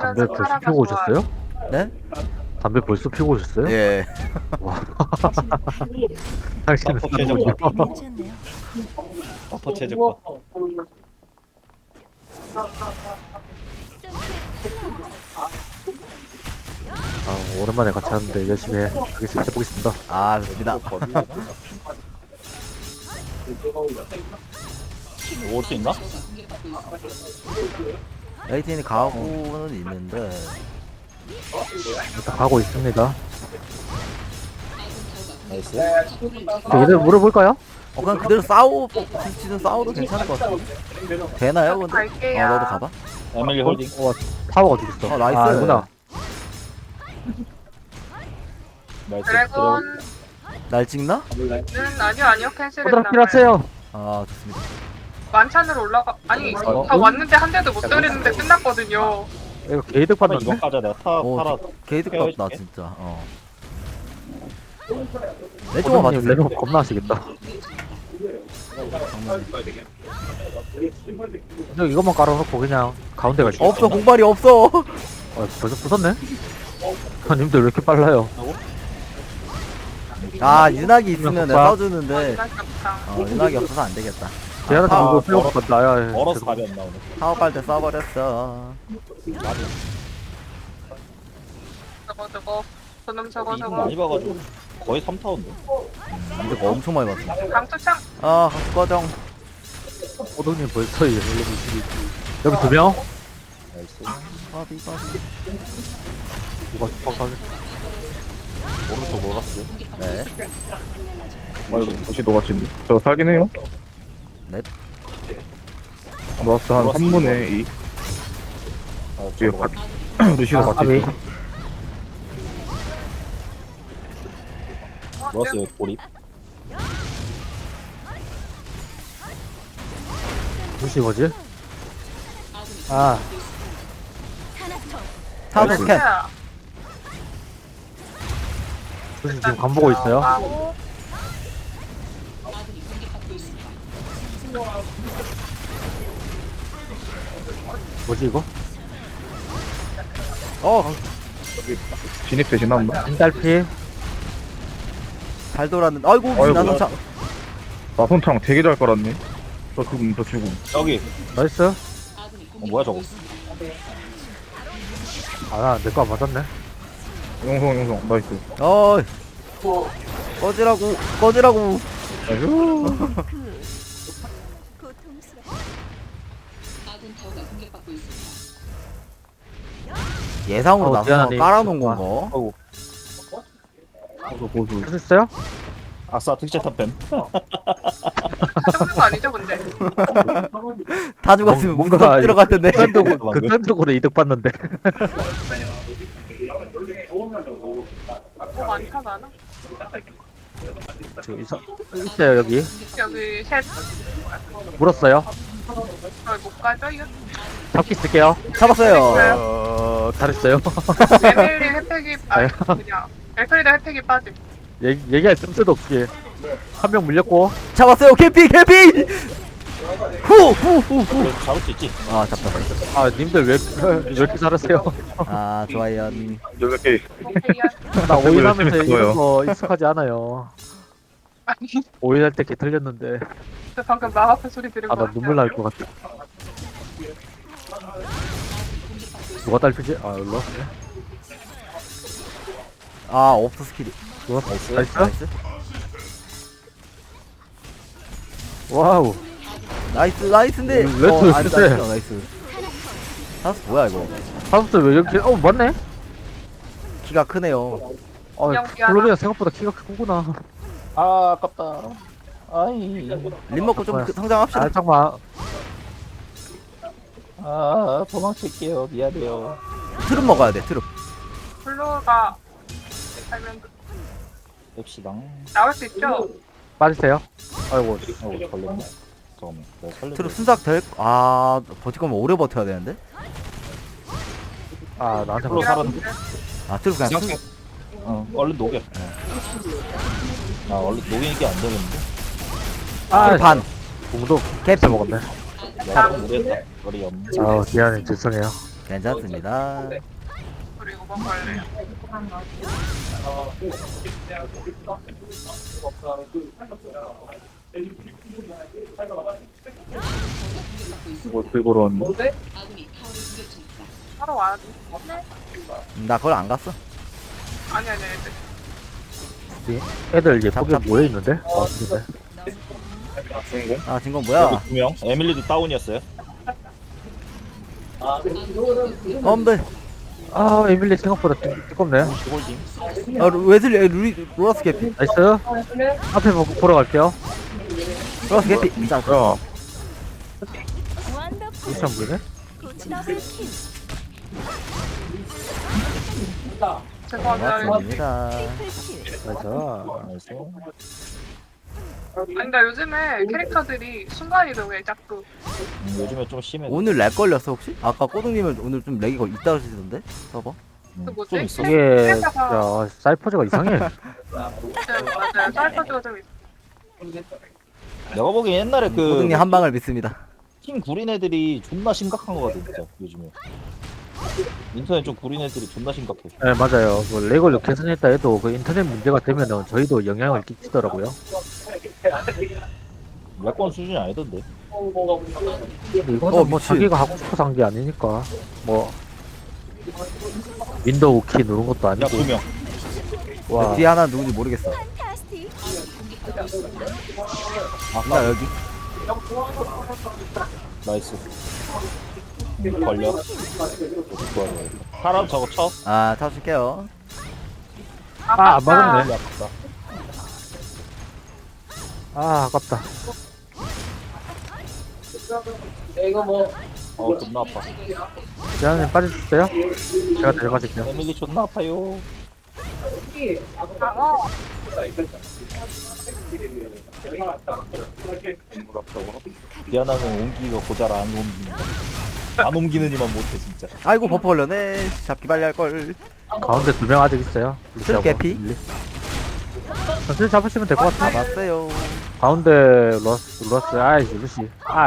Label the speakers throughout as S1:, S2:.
S1: 담배 벌써 피우고 오셨어요?
S2: 네?
S1: 담배 벌써 피우고 오셨어요?
S2: 예.
S1: 와, 당신은
S3: 나쁘게
S1: 사는군요.
S4: 괜찮네요.
S3: 버퍼 체제과.
S1: 아, 오랜만에 같이 하는데 열심히 해보겠습니다.
S2: 아, 좋습니다.
S3: 올 수 있나?
S2: 에이틴이 가고는 있는데.
S1: 일단 가고 있습니다.
S3: 나이스.
S1: 얘들 물어볼까요?
S2: 그냥 그대로 지금 싸워도 괜찮을 것 같아. 되나요, 근데?
S5: 갈게요.
S2: 너도 가봐.
S3: 에밀리 홀딩.
S1: 타워가 어디 있어?
S2: 나이스.
S1: 아, 아니구나.
S3: 나이스.
S5: 드래곤은
S2: 날 찍나?
S5: 아니요
S1: 호드라
S5: 캔슬했나
S1: 필요하세요.
S2: 아, 좋습니다.
S5: 만찬으로 올라가 아니 다 왔는데 한 대도 못 때리는데 끝났거든요.
S1: 이거 게이득
S3: 한번
S1: 받는데?
S3: 이거 까자. 내가 타라.
S2: 게이드
S3: 헤어질게.
S2: 같다, 진짜. 내 쪽만
S1: 호드님
S2: 봐주세요.
S1: 레벨 겁나 하시겠다. 그냥 이것만 깔아놓고 그냥 가운데 갈게요.
S2: 없어, 공발이 없어.
S1: 벌써 부쉈네? 아, 님들 왜 이렇게 빨라요?
S2: 아, 윤학이 있으면 내가
S1: 오빠.
S2: 써주는데.
S5: 아깝다.
S2: 윤학이 없어서 안 되겠다.
S1: 제한테
S2: 아,
S1: 이거 필요할 것 같다. 야,
S3: 멀어서
S1: 죄송-
S3: 답이 안 나오네.
S2: 사업 갈때 써버렸어.
S5: 저거 저놈 저거
S3: 이분 많이 봐가지고 거의 3타운데.
S2: 이거 엄청 많이 봤어.
S5: 강투창
S2: 아, 과정.
S1: 호동님 벌써 레벨 22. 여기 두 명?
S3: 나이스.
S2: 바비.
S1: 이거 퍽하게.
S3: 오른쪽 몰랐어.
S2: 네.
S6: 이거 다시 녹았지. 저 살긴 해요.
S2: 넵.
S6: 녹았어 한
S3: 녹았어.
S6: 3분의 2.
S3: 아,
S6: 뒤에
S3: 저거
S6: 루시도 같이
S1: 아비.
S6: 있어.
S3: 몰랐어요. 고립.
S1: 무시 뭐지? 아,
S2: 타워 스캔.
S1: 무시 지금 간 보고 있어요.
S5: 하고
S1: 뭐지 이거?
S6: 진입 대신 한다.
S1: 인달피.
S2: 잘 돌았는데. 아이고,
S6: 아이고.
S2: 나선창.
S6: 나손창 되게 잘 깔았네. 저 죽음.
S3: 여기.
S1: 나이스.
S3: 뭐야 저거?
S1: 아, 내 거 안 맞았네.
S6: 용성 나이스.
S2: 어이. 꺼지라고.
S6: 나이스.
S2: 예상으로 나선
S1: 미안하네.
S2: 깔아놓은 건가?
S6: 이거 보수.
S1: 할 수 있어요?
S3: 아싸 특제 탑뱀.
S5: 정도 아니죠 근데.
S2: 다 죽었으면
S1: 뭔가
S2: 문석 들어갈 텐데.
S1: 극단적으로 이득 봤는데.
S5: 뭐 많다 많아.
S1: 있어요 여기.
S5: 여기 셋
S1: 물었어요.
S5: 못 가죠 이거.
S1: 잡기 쓸게요.
S2: 잡았어요.
S1: 잘했어요.
S5: 에밀리 혜택이 그냥 엘프리드 혜택이 빠짐.
S1: 얘기할 틈새도 없이 한 명 물렸고.
S2: 잡았어요. 캠핑. 후.
S3: 그래도 잡을 수 있지.
S2: 아, 잡다.
S1: 아, 님들 왜 이렇게 잘하세요?
S2: 아, 좋아요.
S6: 이렇게
S5: 오케이야.
S1: 나
S6: 열심히
S1: 오일하면서
S6: 했어요.
S1: 이런 거 익숙하지 않아요.
S5: 아니
S1: 오일할 때 개 틀렸는데.
S5: 저 방금 마음 아픈 소리 들은
S1: 아,
S5: 거
S1: 나 눈물 날 것 같아. 누가 딸피지? 아, 일로.
S2: 아, 없어 스킬이.
S1: 나이스.
S2: 나이스.
S1: 와우.
S2: 나이스인데.
S1: 레트
S2: 아니,
S1: 쎄.
S2: 나이스. 사스 뭐야 이거?
S1: 사부터 왜 이렇게? 맞네.
S2: 키가 크네요.
S5: 그냥
S1: 플로리아 생각보다 키가 크구나.
S3: 아 아깝다. 아이.
S2: 림 먹고 좀 성장합시다.
S1: 아, 잠깐만.
S3: 아 도망칠게요. 미안해요.
S2: 트름 먹어야 돼. 트름.
S5: 블루가 살면
S3: 맵시당.
S5: 나올 수 있죠?
S1: 빠지세요. 아이고.
S3: 걸렸네. 잠깐만. 내가 살려.
S2: 트름 순삭 될. 아, 버틸 거면 오래 버텨야 되는데.
S1: 아, 나한테
S3: 플로
S1: 걸려.
S3: 살았는데.
S2: 아, 트름 그냥
S3: 그냥 얼른 녹여. 아 얼른 녹이는 게 안 되는데.
S1: 아,
S2: 반.
S1: 공도
S2: 캡
S1: 캡 먹었네.
S3: 야, 무리했다. 머리 염.
S1: 아, 미안해. 죄송해요.
S2: 괜찮습니다.
S5: 그리고 뭐 걸래요.
S6: 뭐 들고 왔는데?
S5: 하러 와야 돼.
S2: 나 그걸 안 갔어.
S5: 아니 애들.
S1: 애들
S2: 잡,
S1: 예쁘게
S2: 잡.
S1: 모여있는데? 근데.
S2: 아, 진건
S3: 여기
S2: 뭐야?
S3: 2명. 에밀리도 다운이었어요.
S2: 엄배.
S1: 아, 에밀리 생각보다 뜨겁네.
S3: 홀딩.
S2: 아, 웨슬리, 로라스 개피.
S1: 나이스. 앞에 보러 갈게요.
S2: 로라스 개피. 자,
S6: 야,
S1: 이참 보이네?
S5: 죄송합니다.
S2: 고맙습니다.
S1: 나이스.
S3: 나이스.
S5: 아니 근데 요즘에 캐릭터들이 순간이동에 자꾸.
S3: 요즘에 좀 심해.
S2: 오늘 렉 걸렸어, 혹시? 아까 꼬둥님은 오늘 좀 렉이 있다고 하시던데? 서버?
S5: 그 뭐지?
S3: 좀 있어.
S1: 이게,
S5: 캐릭터가-
S1: 야, 사이퍼즈가 이상해.
S5: 네, 맞아요. 사이퍼즈가 좀 있어.
S3: 내가 보기엔 옛날에 그
S2: 꼬둥님 한 방을 믿습니다.
S3: 팀 구린 애들이 존나 심각한 거 같아 진짜 요즘에. 인터넷 좀 구린 애들이 존나 심각해.
S1: 네, 맞아요. 그 렉을 개선했다 해도 그 인터넷 문제가 되면은 저희도 영향을 끼치더라고요.
S3: 몇건 수준이 아니던데.
S1: 근데 이거는 뭐
S2: 미친.
S1: 자기가 하고 싶어서 한 게 아니니까. 뭐, 윈도우 키 누른 것도
S3: 야
S1: 아니고.
S3: 2명.
S1: 와,
S2: 뒤에 하나 누군지 모르겠어. 나 여기.
S3: 나이스. 걸려. 사람 저거 쳐.
S2: 아, 타줄게요.
S1: 아, 안 맞았네.
S3: 아깝다.
S1: 아, 아깝다.
S3: 존나 아파.
S1: 지한님 빠져주세요. 제가 데려가실게요.
S3: 에밀리 존나 아파요. 미안하면 옮기가 고자라 안 옮긴다. 안 옮기느니만 못해 진짜.
S2: 아이고, 버퍼 걸렸네. 잡기 빨리 할걸.
S1: 가운데 2명 아직 있어요.
S2: 술 개피?
S1: 천천히 잡으시면 될 것 같아요.
S2: 잡았어요.
S1: 가운데 러스, 아이, 루시. 아,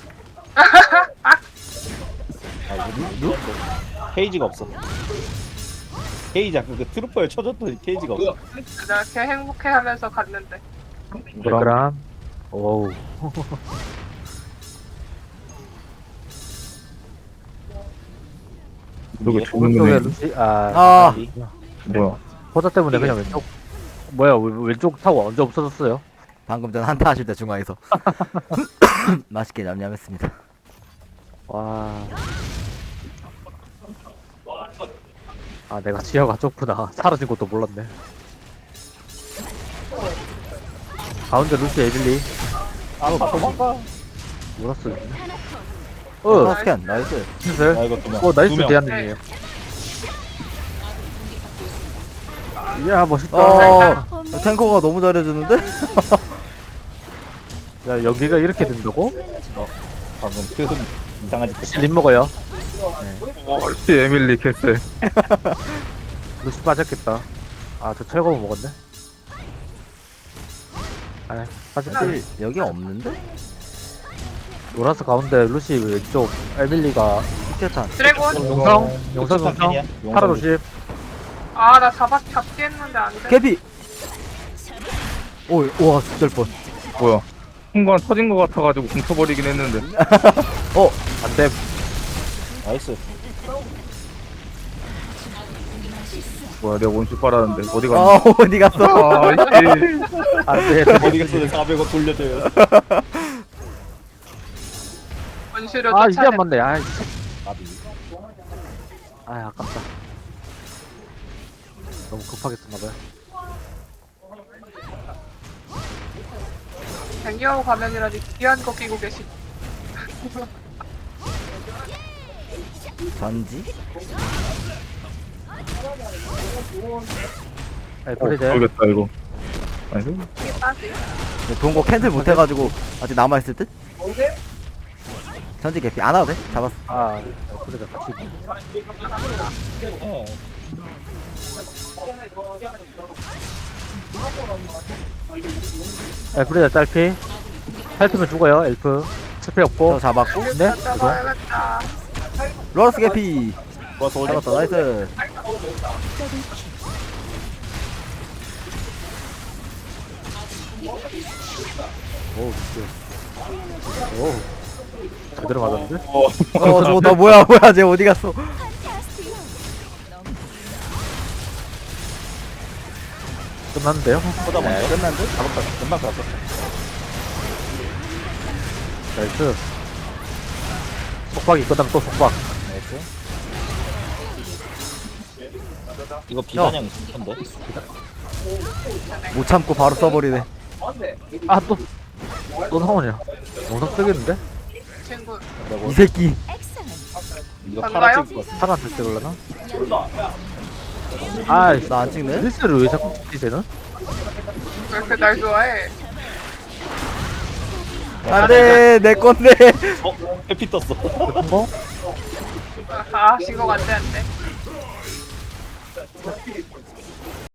S3: 케이지가 없어. 케이지 아까 그 트루퍼에 쳐줬더니 케이지가 없어.
S5: 이렇게 행복해하면서 갔는데.
S1: 그럼. 오우.
S6: 누구
S1: 오른쪽에
S6: 죽는 애?
S1: 루시,
S2: 아,
S6: 뭐야?
S1: 포자 때문에 그냥 왼쪽. 뭐야, 왼쪽 타고 언제 없어졌어요?
S2: 방금 전 한타 하실 때 중앙에서. 맛있게 냠냠했습니다.
S1: 와. 아, 내가 지하가 좁구나. 사라진 것도 몰랐네. 가운데 루시 에밀리.
S3: 도망가.
S1: 몰랐어.
S2: 어, 스캔. 나이스.
S1: 슬슬.
S3: 아 이거 그냥.
S1: 나이스,
S3: 두 명.
S1: 대한님이에요. 이야, 멋있다.
S2: 탱커가 너무 잘해주는데?
S1: 야, 여기가 이렇게 된다고?
S3: 방금 그 이상하지.
S1: 림 먹어요.
S6: 역시 에밀리 캐슬.
S1: 루시 빠졌겠다. 아, 저 철거 먹었네. 아, 빠졌지.
S2: 사실 여기 없는데?
S1: 노라스 가운데 루시 왼쪽 에밀리가
S2: 스케탄.
S5: 드래곤.
S1: 용성 파라 루시.
S5: 아 나 잡기 했는데 안 돼.
S2: 개피! 오, 우와, 진짜 뻔.
S6: 뭐야? 순간 터진 것 같아가지고 뭉쳐버리긴 했는데.
S1: 안 돼.
S3: 나이스.
S6: 뭐야, 내가 원수 빨았는데 어디 갔니?
S2: 아, 어디 갔어?
S6: 아, 이씨.
S1: 안 돼.
S3: 어디 갔어? 내 400원 돌려줘요.
S5: 원시료
S1: 아, 이게
S5: 쫓아내.
S1: 안 맞네. 아,
S3: 나비.
S1: 아깝다. 너무 급하게 썼나봐요.
S5: 댕기하고 가면이라니 귀한 거 끼고 계시.
S2: 전지?
S1: 프리데.
S6: 모르겠다 이거. 아니,
S5: 이게 따지.
S2: 좋은 거 캔슬 못해가지고 아직 남아있을 듯? 전지 개피. 안 와도 돼? 잡았어.
S1: 아, 프리데 같이.
S3: 예.
S1: 프리데 딸피. 살피면 죽어요, 엘프. 스페 없고.
S2: 저 잡았고.
S1: 네? 이거.
S5: 잡아야겠다.
S2: 로러스 개피.
S3: 좋았어 올려.
S2: 잡았다. 나이스.
S1: 오우 진짜 오우 제대로 맞았는데?
S2: 저거 나 뭐야 쟤 어디 갔어?
S1: 끝났는데요?
S3: 보다
S2: 네,
S3: 먼저.
S2: 끝난 듯?
S3: 잡았다. 금방 잡았어.
S1: 나이스 속박이 끝나면 또 속박
S3: 나이스. 이거 비단형 있을 텐데.
S2: 못 참고 바로 써버리네.
S1: 아또 상원이야 영상 뜨겠는데?
S5: 친구.
S2: 이 새끼.
S3: 이거
S5: 간가요?
S3: 팔아 찍을 것 같아.
S1: 사람 될 때올라나? 아이씨
S2: 나 안 찍네?
S1: 릴스를 왜 자꾸 찍지 쟤는?
S5: 왜 이렇게 날 좋아해?
S2: 안돼 내 건데.
S3: 해피 떴어.
S1: 뭐?
S5: 아, 신곡 안 돼, 안 돼.